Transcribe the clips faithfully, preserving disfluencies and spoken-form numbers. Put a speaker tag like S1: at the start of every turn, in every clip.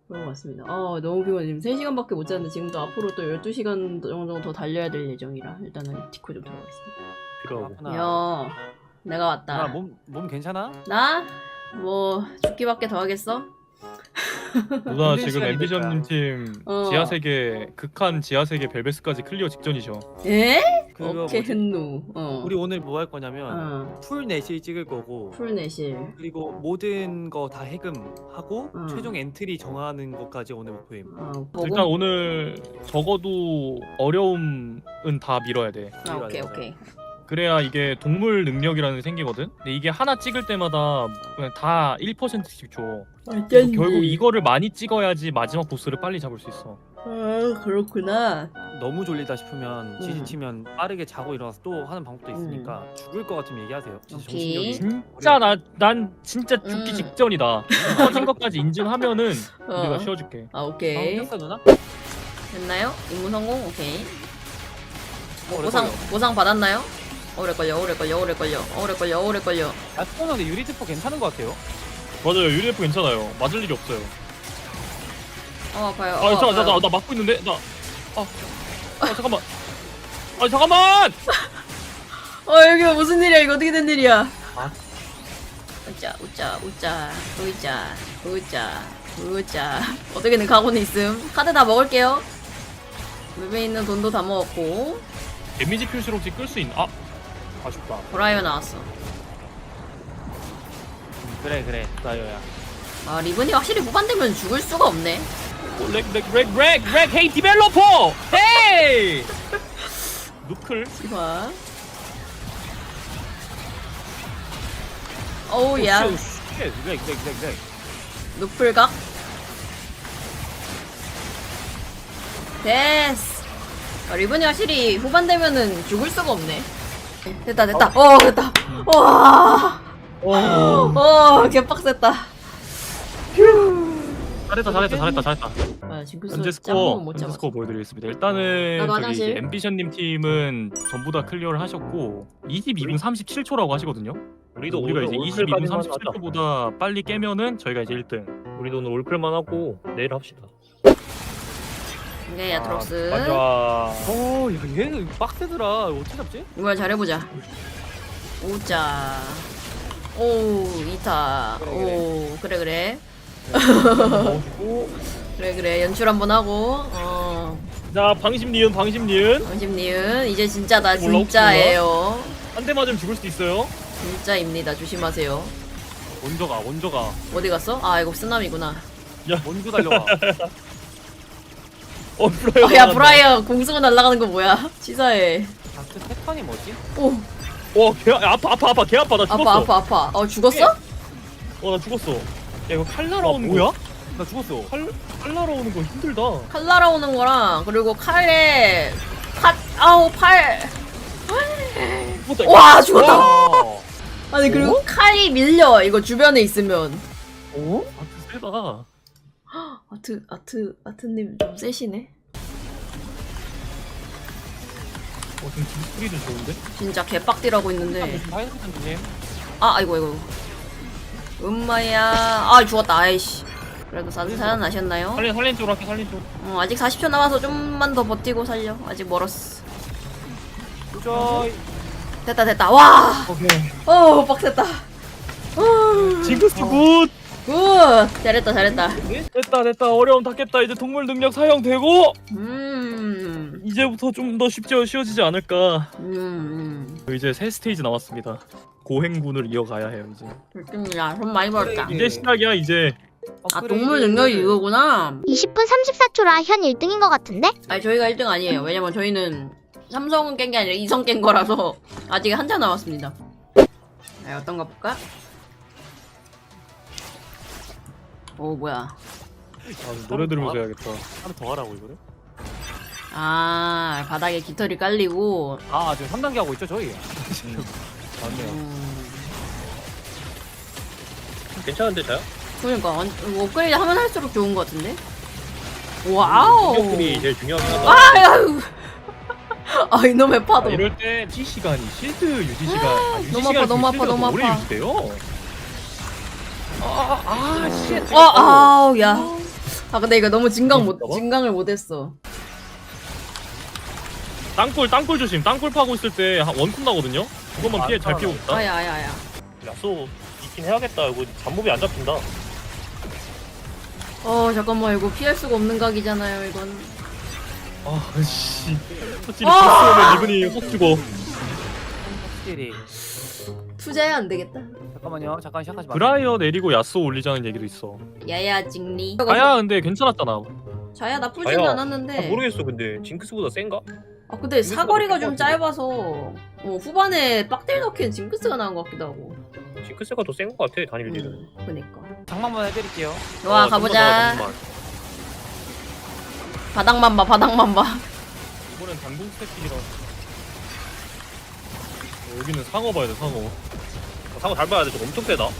S1: 그런 것 같습니다. 아 너무 피곤해. 지금 세 시간밖에 못 잤는데 지금도 앞으로 또 열두 시간 정도 더 달려야 될 예정이라 일단은 디코 좀 들어가겠습니다.
S2: 필요하고.
S1: 야 내가 왔다.
S3: 몸, 몸 괜찮아?
S1: 나? 뭐 죽기밖에 더 하겠어?
S2: 누나
S3: 힘든
S2: 지금
S3: 시간이
S2: 앰비션님 팀
S1: 어.
S2: 지하세계 극한 지하세계 벨베스까지 클리어 직전이죠.
S1: 에?
S3: 그거
S1: 오케이
S3: 뭐지?
S1: 헨누. 어.
S3: 우리 오늘 뭐 할 거냐면
S1: 어.
S3: 풀 내실 찍을 거고
S1: 풀내실.
S3: 그리고 모든 거 다 해금하고
S1: 어.
S3: 최종 엔트리 정하는 것까지 오늘 목표임.
S1: 어.
S2: 일단
S1: 보고.
S2: 오늘 적어도 어려움은 다 밀어야 돼.
S1: 아 오케이 오케이.
S2: 그래야 이게 동물 능력이라는 게 생기거든. 근데 이게 하나 찍을 때마다 그냥 다 일 퍼센트씩 줘. 그래서 결국 이거를 많이 찍어야지 마지막 보스를 빨리 잡을 수 있어.
S1: 아 그렇구나.
S3: 너무 졸리다 싶으면
S1: 음.
S3: 지지치면 빠르게 자고 일어나서 또 하는 방법도 있으니까 죽을 것 같으면 얘기하세요. 진짜
S1: 오케이.
S3: 정신력이
S2: 진짜 나 난 진짜 죽기
S1: 음.
S2: 직전이다. 터진 것까지 인증하면은
S1: 어.
S2: 우리가 쉬어줄게.
S1: 아 오케이.
S3: 어, 꼈어 누나?
S1: 됐나요? 임무 성공? 오케이.
S3: 어, 오래
S1: 보상
S3: 걸려.
S1: 보상 받았나요? 오래 걸려 오래 걸려 오래 걸려 오래 걸려 오래 걸려.
S3: 야 스포너데 유리 트포 괜찮은 것 같아요.
S2: 맞아요. 유리에프 괜찮아요. 맞을 일이 없어요.
S1: 어 아파요.
S2: 아
S1: 어,
S2: 잠깐 나,
S1: 아파요.
S2: 나, 나 막고 있는데 나. 아, 아 잠깐만. 아 잠깐만.
S1: 어 여기 무슨 일이야 이거 어떻게 된 일이야?
S3: 아.
S1: 웃자 웃자 웃자 웃자 웃자 웃자 어떻게든 가고는 있음. 카드 다 먹을게요. 맵에 있는 돈도 다 먹었고
S2: 데미지 표시로 혹시 끌 수 있나? 아 아쉽다.
S1: 브라이어 나왔어.
S3: 음, 그래 그래 나요야.
S1: 아 리븐이 확실히 후반되면 죽을 수가 없네.
S2: 렉렉렉렉렉 헤이 디벨로퍼 헤이 누클
S1: 시화. 어우 야
S3: 오, 씨, 렉, 렉, 렉, 렉, 렉.
S1: 노플각. 됐어. 아, 리븐이 확실히 후반 되면은 죽을 수가 없네. 됐다 됐다. 어 됐다. 와. 어 개빡셌다.
S2: 잘했다 잘했다 잘했다 잘했다.
S1: 아 징크스
S2: 현재
S1: 짬뽕은
S2: 스코어
S1: 못
S2: 현재
S1: 잡았어.
S2: 스코어 보여드리겠습니다. 일단은
S1: 나도
S2: 저기
S1: 화장실.
S2: 이제 앰비션님 팀은 전부 다 클리어를 하셨고 이십이 분 삼십칠 초라고 하시거든요.
S4: 우리도
S2: 우리가 이제
S4: 오늘
S2: 이십이 분
S4: 올클까지만
S2: 삼십칠
S4: 하자.
S2: 초보다 빨리 깨면은 저희가 이제 일 등.
S4: 우리도 오늘 올클만 하고 내일 합시다.
S1: 이게 야트록스.
S4: 맞아.
S3: 어, 야, 얘는 빡세더라. 어떻게 잡지?
S1: 이걸 잘해보자. 오자. 오 이타.
S3: 그래,
S1: 오 그래 그래.
S4: 먹고
S1: 그래 그래 연출 한번 하고. 어
S2: 자 방심 니은 방심 니은
S1: 방심니은 이제 진짜다
S2: 몰라, 혹시
S1: 진짜예요.
S2: 한 대 맞으면 죽을 수도 있어요.
S1: 진짜입니다. 조심하세요.
S2: 먼저 가 먼저 가.
S1: 어디 갔어? 아 이거 쓰나미구나.
S3: 먼저 달려와.
S2: 어 브라이어.
S1: 아, 야 브라이어 공 쓰고 날아가는 거 뭐야? 치사해.
S3: 다크 패턴이 뭐지?
S1: 오
S2: 와개 아파 아파 아파 개 아파 나 죽었어.
S1: 아파 아파 아파. 어 죽었어?
S2: 어나 죽었어. 야 이거 칼
S3: 와,
S2: 날아오는 거
S3: 뭐야? 나 죽었어.
S2: 칼, 칼 날아오는 거 힘들다.
S1: 칼 날아오는 거랑 그리고 칼에 칼 아우 팔.
S2: 죽었다.
S1: 와 죽었다.
S3: 와.
S1: 아니 그리고 칼이 밀려 이거 주변에 있으면.
S2: 어? 아트 세다. 어
S1: 아트 아트 아트님 좀 세시네.
S2: 지금 뒷소리도 좋은데?
S1: 진짜 개빡디라고 있는데.
S3: 파이널 패턴 조심.
S1: 아 아이고 아이고. 음마야. 아 죽었다. 아이씨. 그래도 사실 살아나셨나요?
S2: 살린 살린 쪽으로 할게 살린 쪽.
S1: 어, 아직 사십 초 남아서 좀만 더 버티고 살려. 아직 멀었어.
S3: 조이.
S1: 됐다 됐다. 와.
S2: 오케이.
S1: 어 빡셌다. 어,
S2: 징크스 굿.
S1: 굿. 잘했다 잘했다.
S2: 됐다 됐다 어려움 다 깼다. 이제 동물 능력 사용되고
S1: 음.
S2: 이제부터 좀 더 쉽지 쉬워지지 않을까.
S1: 음. 음.
S2: 이제 새 스테이지 남았습니다. 고행군을 이어가야 해요 이제.
S1: 좋습니다. 돈 많이 벌었다.
S3: 그래.
S2: 이제 시작이야 이제.
S1: 아 동물 능력이 이거구나.
S5: 이십 분 삼십사 초라 현 일 등인 것 같은데?
S1: 아니 저희가 일 등 아니에요. 왜냐면 저희는 삼성은 깬 게 아니라 이성 깬 거라서 아직 한참 남았습니다. 자, 어떤 거 볼까? 오 뭐야?
S2: 아, 노래 들으면서 해야겠다.
S3: 하나 더 하라고 이거를?
S1: 아 바닥에 깃털이 깔리고.
S3: 아 지금 삼 단계 하고 있죠 저희? 맞네요.
S1: 음,
S4: 괜찮은데 자요?
S1: 그러니까 완- 이거 업그레이드 하면 할수록 좋은 것 같은데? 와우!
S4: 능력들이 제일 중요하긴 하다.
S1: 아유! 아 이놈의
S2: 아,
S1: 파도.
S2: 이럴 때 유지 시간이 실드 유지 시간 아, 유지
S1: 너무
S2: 시간이
S1: 아파, 너무 아파,
S2: 실드가
S1: 너무
S2: 더 오래
S1: 아파.
S2: 유지돼요. 아아 씨.
S1: 어, 아우 야. 아 근데 이거 너무 진강 못
S4: 있다고?
S1: 진강을 못했어.
S2: 땅굴 땅굴 조심. 땅굴 파고 있을 때 한 원콤 나거든요. 그것만
S3: 아,
S2: 피해 잘 피우고 있다.
S1: 아야 아야 아야.
S4: 야쏘 있긴 해야겠다. 이거 잠복이 안 잡힌다.
S1: 어 잠깐만 이거 피할 수가 없는 각이잖아요 이건.
S2: 아씨. 확실히
S1: 아!
S2: 보스 오면 리븐이 확 죽어.
S3: 확실히.
S1: 투자해야 안 되겠다.
S3: 잠깐만요. 잠깐 시작하지 마.
S2: 브라이어 내리고 야스오 올리자는 얘기도 있어.
S1: 야야 징리.
S2: 아야 근데 괜찮았잖아.
S1: 자야 나쁘진
S4: 자야.
S1: 않았는데.
S4: 아, 모르겠어. 근데 징크스보다 센가?
S1: 아 근데 사거리가 좀
S4: 생각보다
S1: 짧아서 어, 후반에 빡딜 넣기엔 징크스가 나은 것 같기도 하고.
S4: 징크스가 더 센 것 같아. 단일 딜은.
S1: 음, 그니까.
S3: 장만만 해드릴게요.
S1: 좋아
S4: 어,
S1: 가보자.
S4: 잠깐만,
S1: 바닥만 봐 바닥만 봐.
S2: 이번엔 단공 스태틱이라. 어, 여기는 상어 봐야 돼 상어.
S4: 잠깐만. 상어 잘 봐야 돼. 저거 엄청 세다.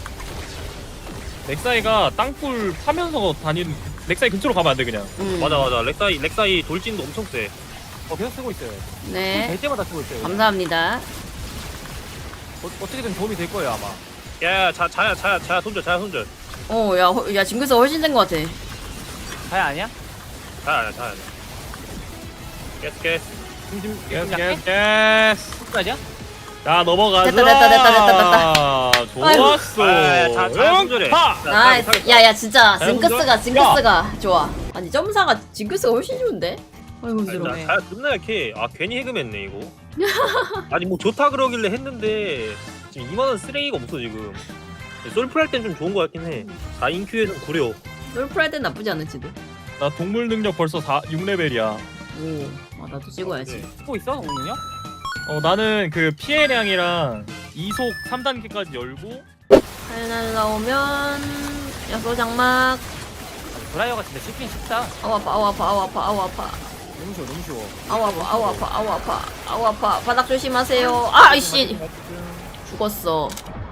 S2: 렉사이가 땅굴 파면서 다니는. 렉사이 근처로 가면 안 돼 그냥.
S1: 음.
S4: 맞아 맞아. 렉사이 렉사이 돌진도 엄청 세.
S3: 어 계속 쓰고 있어요.
S1: 네.
S3: 될 때마다 쓰고 있어요.
S1: 감사합니다.
S3: 어, 어떻게든 도움이 될 거예요 아마.
S4: 야야 자 자야 자야 자야 손절 자야 손절.
S1: 어, 야, 허- 야, 징크스가 훨씬 된 것 같아.
S3: 자야 아니야?
S4: 자야 자야. 깨스 깨스.
S3: 지금 지금
S2: 예스
S3: 지금 약해?
S2: 예스 예스.
S3: 끝까지야?
S2: 자 넘어가자.
S1: 됐다, 됐다, 됐다, 됐다,
S2: 좋았어.
S4: 아, 자, 자, 손절해.
S2: 파!
S4: 자,
S1: 나이스.
S4: 자,
S1: 야, 야, 진짜
S2: 자,
S1: 징크스가,
S2: 먼저.
S1: 징크스가 좋아. 아니, 점사가 징크스가 훨씬 좋은데? 아이고, 힘들어.
S4: 나 자야 존나 약해. 아 괜히 해금했네 이거. 아니 뭐 좋다 그러길래 했는데 지금 이만한 쓰레기가 없어 지금. 솔플 할 땐 좀 좋은 거 같긴 해. 사 인큐에는 구려.
S1: 롤프라이드 나쁘지 않을지도.
S2: 나 동물 능력 벌써 사, 육 레벨이야.
S1: 오, 아, 나도 찍어야지.
S4: 네.
S3: 쓰고 있어 동문이요?
S2: 어 나는 그 피해량이랑 이속 삼 단계까지 열고
S1: 칼 날라오면, 야소 장막.
S3: 브라이어가 진짜 쉽긴 쉽다.
S1: 아우, 아파, 아우, 아파, 아우, 아파, 아우, 아파.
S3: 너무 쉬워 너무 쉬워.
S1: 아우, 아파, 아우, 아파, 아우, 아파. 아우, 아파. 바닥 조심하세요. 아, 이씨. 죽었어.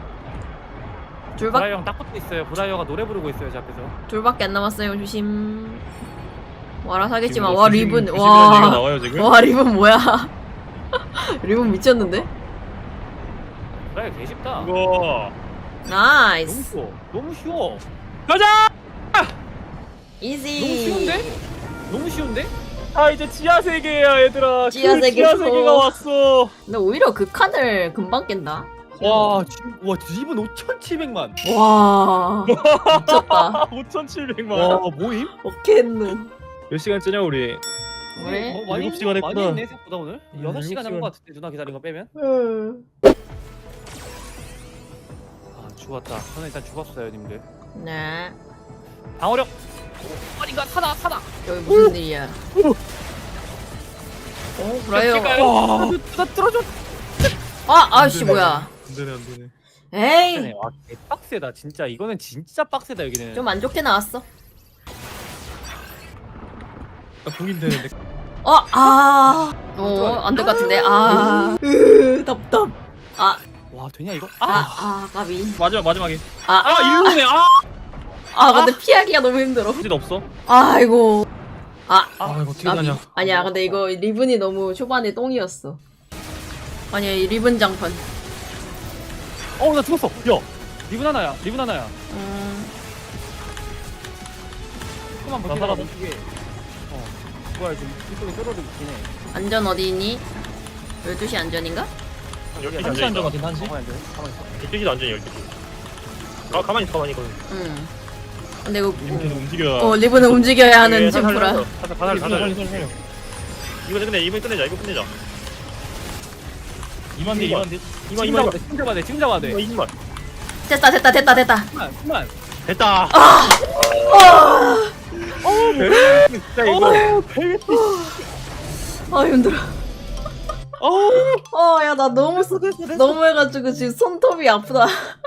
S1: 둘밖,
S3: 브라이어 형 딱 붙어 있어요. 브라이어가 노래 부르고 있어요 제 앞에서.
S1: 둘밖에 안 남았어요. 조심. 와라 사겠지만,
S2: 지금
S1: 와,
S2: 조심-
S1: 리븐.
S2: 조심이라는 얘기가
S1: 와.
S2: 나와요 지금.
S1: 와, 리븐 뭐야. 리븐 미쳤는데?
S3: 브라이어 개 쉽다.
S4: 이거
S3: 너무
S1: 나이스.
S3: 쉬워. 너무 쉬워.
S2: 가자.
S1: 이지.
S3: 너무 쉬운데? 너무 쉬운데?
S2: 아 이제 지하 세계야 얘들아.
S1: 지하
S2: 그
S1: 세계
S2: 지하
S1: 또.
S2: 세계가 왔어.
S1: 근데 오히려 그 칸을 금방 깬다.
S3: 와 지금 와 지분 오천칠백만.
S1: 와. 미쳤다.
S2: 오천칠백만.
S3: 와 뭐임?
S1: 어케누.
S2: 몇 시간째냐 우리?
S1: 왜?
S3: 어, 많이
S2: 일곱 시간
S3: 했- 많이
S2: 했구나.
S3: 했네 생각보다 오늘.
S2: 음,
S3: 여섯 시간
S2: 일곱
S3: 한것 같은데 누나 기다린 거 빼면?
S1: 음.
S3: 아 죽었다. 저는 일단 죽었어요 님들.
S1: 네.
S3: 방어력. 아닌가 타다 타다.
S1: 여기 무슨 일이야? 어, 브라이어.
S3: 와. 나 들어줘.
S1: 아, 아씨 뭐야?
S2: 안 되네 안 되네.
S1: 에이.
S3: 와 빡세다 진짜. 이거는 진짜 빡세다 여기는.
S1: 좀 안 좋게 나왔어.
S2: 나 공인 되는데.
S1: 어, 아. 어, 안 될 것 같은데. 아. 으, 답답. 아,
S3: 와 되냐 이거?
S1: 아,
S3: 아.
S1: 아, 까비.
S2: 마지막 마지막에.
S1: 아,
S3: 아
S1: 아,
S3: 일로네. 아.
S1: 아, 근데 피하기가 너무 힘들어.
S2: 진 없어?
S1: 아이고. 아,
S2: 아 이거 어떻게
S1: 까비.
S2: 가냐?
S1: 아니야, 근데 이거 리븐이 너무 초반에 똥이었어. 아니야, 이 리븐 장판.
S3: 어나 죽었어. 야 리븐 하나야. 리븐 하나야.
S1: 음,
S3: 조금만
S2: 나
S3: 버티다가
S2: 살아도-
S3: 이게. 어. 뭐야 지금 이쪽에 뚫어도 있긴 해.
S1: 안전 어디 있니? 열두 시 안전인가?
S4: 열두 시
S2: 한시
S4: 앉아있다.
S2: 안전 같은 한시?
S3: 가만히 앉아. 가만히 있어.
S4: 열두 시도 앉아 열두 시. 가 가만히 있어 가만히 있어.
S1: 응. 근데 이거
S2: 이렇게 움직여.
S1: 어 리븐은 움직여야 하는 징프라.
S4: 가살 가살 가살.
S2: 살려 살려.
S4: 이거 끝내 이번 끝내자 이거 끝내자.
S2: 이만 대 이만 대.
S4: 이만
S3: 지금
S4: 이만
S3: 잡아야 돼. 지금 잡아야 돼. 지금 잡아야 돼.
S4: 이만 이만.
S1: 됐다 됐다 됐다 됐다.
S3: 그만 그만.
S4: 됐다. 진짜 이거.
S1: 아 힘들어. 어 야 나 너무 쓰- 너무 해가지고 지금 손톱이 아프다.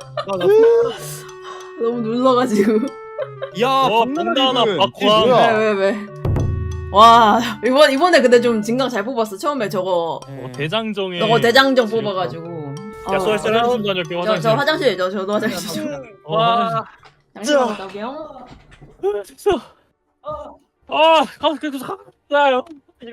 S1: 너무 눌러가지고.
S3: 야
S2: 어,
S3: 박나나
S2: 박나나,
S3: 리븐.
S2: 박광.
S3: 이게 뭐야?
S1: 왜 왜 왜? 와 이번 이번에 근데 좀 진강 잘 뽑았어. 처음에 저거
S2: 어,
S3: 네.
S2: 대장정에.
S1: 저거 대장정 뽑아가지고.
S4: 야,
S1: 어,
S4: 쏠, 쏠.
S2: 화장실 좀 다녀올게
S1: 저,
S2: 화장실.
S1: 저 화장실 저 저도 화장실 좀.
S2: 어, 화장실.
S1: 화장실 갔다 올게요.
S2: 진짜. 아, 가 계속 가요.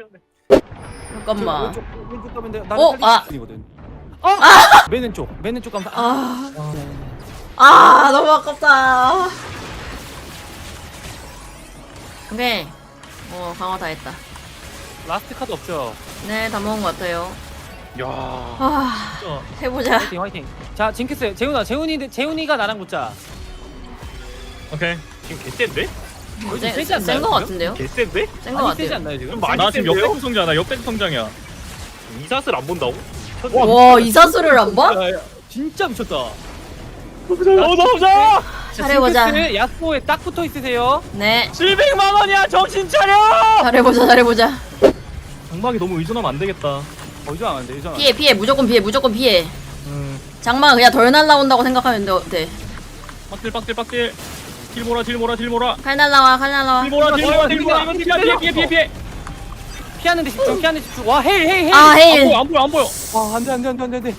S1: 잠깐만.
S3: 왼쪽 왼쪽 가면 돼.
S1: 어, 아.
S3: 이거든. 아! 맨 왼쪽. 맨 왼쪽 가면 아.
S1: 아, 아 너무 아깝다. 오케이. 어 강화 다 했다.
S3: 라스트 카드 없죠?
S1: 네 다 먹은 것 같아요.
S2: 야.
S1: 아
S2: 진짜.
S1: 해보자.
S3: 화이팅 화이팅. 자 징크스 재훈아 재훈이 재훈이가 나랑 붙자.
S2: 오케이.
S4: 지금 개센데?
S3: 요즘 세지 않나요,
S1: 센거
S3: 지금?
S1: 같은데요?
S4: 개센데?
S1: 센 거
S3: 많이 세지
S1: 같아요.
S3: 않나요 지금?
S4: 좀 많이
S2: 나 지금
S4: 센데요?
S2: 역대급 성장이야. 역대급 성장이야.
S4: 이사슬 안 본다고?
S1: 와 이사수를 안 봐?
S3: 야, 야, 진짜 미쳤다.
S2: 보자. 보자.
S1: 잘해보자.
S3: 징크스 야스오에 딱 붙어 있으세요.
S1: 네
S2: 칠백만 원이야. 정신 차려.
S1: 잘해보자 잘해보자.
S2: 장막이 너무 의존하면 안 되겠다.
S3: 어 이상 안 돼, 이상 안 돼.
S1: 피해 피해 무조건 피해 무조건 피해.
S2: 음.
S1: 장마 그냥 덜 날라온다고 생각하면 돼. 돼.
S2: 빡딜 빡딜 빡딜. 딜모라 딜모라 딜모라.
S1: 칼 날라와 칼 날라와.
S2: 딜모라 딜모라 딜모라.
S3: 이거
S2: 피해 피해 피해 피해 피해.
S3: 피하는데 집중, 피하는데 집중. 와 헤일 헤일 헤일.
S1: 아
S2: 안
S1: 헤일.
S2: 보여 안 보여 안 보여.
S3: 와 안돼 안돼 안돼 안돼 안돼.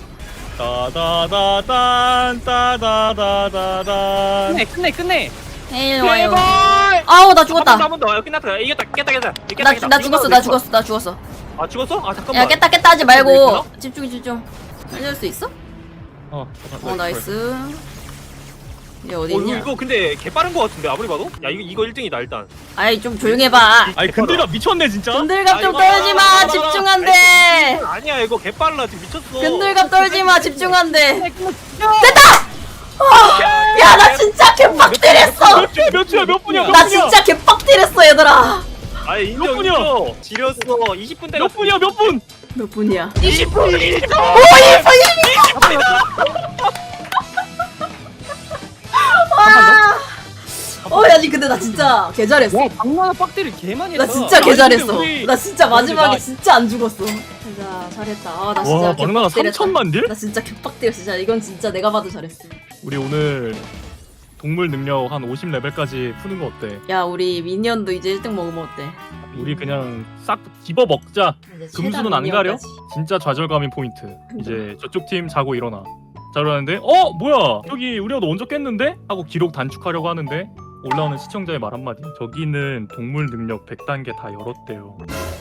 S2: 따다다단 따다다다단.
S3: 끝내 끝내 끝내.
S1: 헤일 와요.
S2: 제발.
S1: 아우 나 죽었다.
S4: 한번 더. 끝났다. 이겼다. 깼다 깼다. 깼다,
S1: 나
S4: 깼다.
S1: 나
S4: 이거
S1: 죽었어
S4: 나도
S1: 나
S4: 내
S1: 죽었어 나 죽었어.
S4: 거. 아 죽었어? 아 잠깐만.
S1: 야 깼다 깼다 하지 말고 집중 집중. 살릴 수 있어?
S2: 어.
S1: 어 나이스. 얘 어디
S4: 어, 이거,
S1: 있냐?
S4: 이거 근데 개 빠른 거 같은데 아무리 봐도? 야 이거 이거 일 등이다 일단.
S1: 아이 좀 조용해 봐.
S2: 아니 근데가 미쳤네 진짜.
S1: 근들갑 좀
S4: 아, 이거
S1: 떨지 마.
S4: 봐라, 봐라,
S1: 집중한대.
S4: 아니야 이거 개 빨라 지금 미쳤어.
S1: 근들갑 떨지 마. 집중한대.
S4: 야,
S1: 야 나 진짜 개빡들했어.
S2: 몇 주야 몇 주야 몇 분이야 몇
S1: 나
S2: 분이야
S1: 진짜 개빡들했어 얘들아.
S4: 아 인정
S2: 몇 분이야?
S4: 인정. 지렸어. 이십 분 때렸어.
S2: 몇 분이야 몇 분?
S1: 몇 분이야?
S4: 이십 분. 이십 분.
S1: 와. 어, 야, 니 근데 나 진짜 개 잘했어.
S3: 와 박나나 빡대를 개 많이 했다.
S1: 나 진짜 개
S2: 아니, 근데
S1: 잘했어.
S2: 우리-
S1: 나 진짜 마지막에
S2: 나-
S1: 진짜 안 죽었어. 자, 잘했다. 아, 나 진짜
S2: 와 막나가
S1: 개빡들했다.
S2: 삼천만 딜?
S1: 나 진짜 개빡들었어. 진짜 이건 진짜 내가 봐도 잘했어.
S2: 우리 오늘 동물 능력 한 오십 레벨까지 푸는 거 어때?
S1: 야, 우리 미니언도 이제 일 등 먹으면 어때?
S2: 우리 그냥 싹 집어 먹자.
S1: 이제
S2: 금수는
S1: 최단
S2: 안 가려?
S1: 미니언까지.
S2: 진짜 좌절감인 포인트. 이제 저쪽 팀 자고 일어나. 자고 일어나는데 어 뭐야 여기 우리가 먼저 깼는데? 하고 기록 단축하려고 하는데 올라오는 시청자의 말 한마디. 저기는 동물 능력 백 단계 다 열었대요.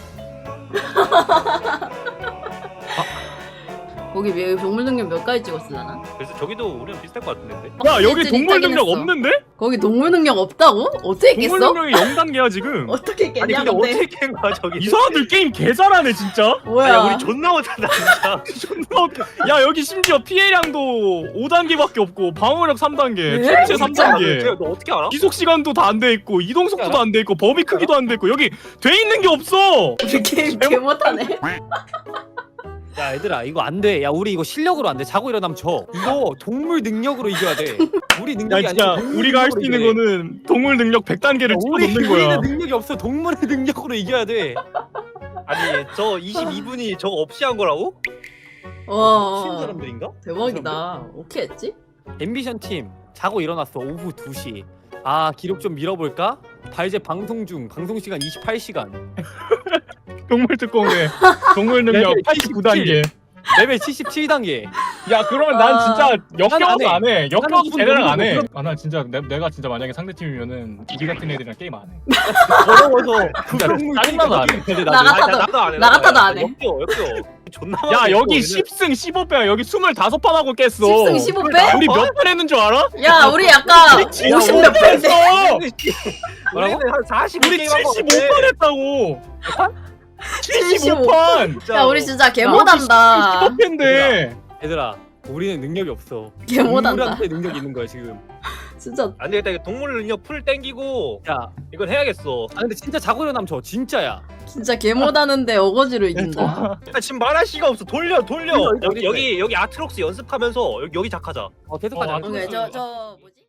S1: 거기 왜 동물 능력 몇 가지 찍었을라나?
S4: 그래서 저기도 우리랑 비슷할 것 같은데.
S2: 야 여기
S1: 찐찐이
S2: 동물
S1: 짜긴
S2: 능력
S1: 했어.
S2: 없는데?
S1: 거기 동물 능력 없다고? 어떻게
S2: 동물
S1: 깼어?
S2: 능력이 영 단계야 지금.
S1: 어떻게
S4: 아니
S1: 깼냐
S4: 근데
S1: 근데?
S4: 어떻게 깬 거야 저기?
S2: 이 사람들 게임 개 잘하네 진짜.
S1: 뭐야?
S4: 야 우리 존나 못한다 진짜.
S2: 존나 웃겨. 야 여기 심지어 피해량도 오 단계밖에 없고 방어력 삼 단계,
S1: 네?
S2: 피체 삼
S1: 진짜?
S2: 단계,
S4: 쟤, 너 어떻게 알아?
S2: 지속 시간도 다 안 돼 있고 이동 속도도 안 돼 있고 범위 크기도 안 돼 있고 여기 돼 있는 게 없어.
S1: 우리 게임 개 못하네.
S3: 야 얘들아 이거 안 돼. 야 우리 이거 실력으로 안 돼. 자고 일어나면 져. 이거 동물 능력으로 이겨야 돼. 우리
S2: 야
S3: 능력이
S2: 진짜
S3: 아니라 동물
S2: 우리가 할 수
S3: 능력으로
S2: 있는
S3: 이겨야 돼.
S2: 거는 동물 능력 백 단계를
S3: 야,
S2: 찍어
S3: 우리
S2: 놓는 거야.
S3: 우리는 능력이 없어. 동물의 능력으로 이겨야 돼.
S4: 아니 저 이십이 분이 저거 없이 한 거라고? 미친
S1: 와
S4: 사람들인가?
S1: 대박이다. 어떻게 했지?
S3: 앰비션 팀 자고 일어났어. 오후 두 시. 아 기록 좀 밀어볼까? 발제 방송 중 방송 시간 이십팔 시간.
S2: 동물 특공대 동물 능력
S3: 레벨
S2: 팔십구 단계.
S3: 레벨 칠십칠 단계.
S2: 야 그러면 난
S1: 아,
S2: 진짜 역겨워서
S3: 안 해.
S2: 안 해. 역겨워서
S3: 나는
S2: 쟤네랑 안
S3: 이분
S2: 해.
S3: 너무
S2: 아 나 진짜 내, 내가 진짜 만약에 상대 팀이면은 우리 같은 애들이랑 게임 안 해.
S3: 더러워서
S2: 진짜
S3: 구성물
S2: 짜증나서 안 해.
S1: 나 같아도-
S4: 아니, 나- 나도 안 해.
S1: 나 같아도 안 해.
S4: 역겨 역겨. 존나.
S2: 야
S4: 많이
S2: 여기
S4: 했어,
S2: 십 승 십오 패야. 여기 이십오 판 하고 깼어.
S1: 십 승 십오 패?
S2: 우리 몇 판 했는 줄 알아?
S1: 야 우리 약간
S2: 우리
S1: 오십 몇 패인데.
S2: 했어.
S3: 뭐라고?
S4: 우리는 한 사십오
S2: 우리
S4: 게임 한거
S2: 칠십오 판 했다고. 칠십오 판.
S1: 야 우리 진짜 개
S2: 야,
S1: 못한다.
S2: 십오 패인데.
S3: 얘들아 우리는 능력이 없어.
S1: 개 못한다.
S3: 동물한테 능력이 있는 거야 지금.
S1: 진짜
S4: 안 되겠다. 이거 동물 능력 풀 땡기고
S3: 야,
S4: 이건 해야겠어.
S3: 아 근데 진짜 자고 일어나면 저 진짜야.
S1: 진짜 개 못하는데 어거지로 이긴다.
S4: 아, 지금 말할 시간 없어. 돌려 돌려.
S3: 돌려,
S4: 여기
S3: 돌려.
S4: 여기 여기 아트록스 연습하면서 여기 여기 작하자.
S3: 어 계속
S2: 어,
S3: 하자.
S2: 아,
S1: 오케이 저 저 뭐지?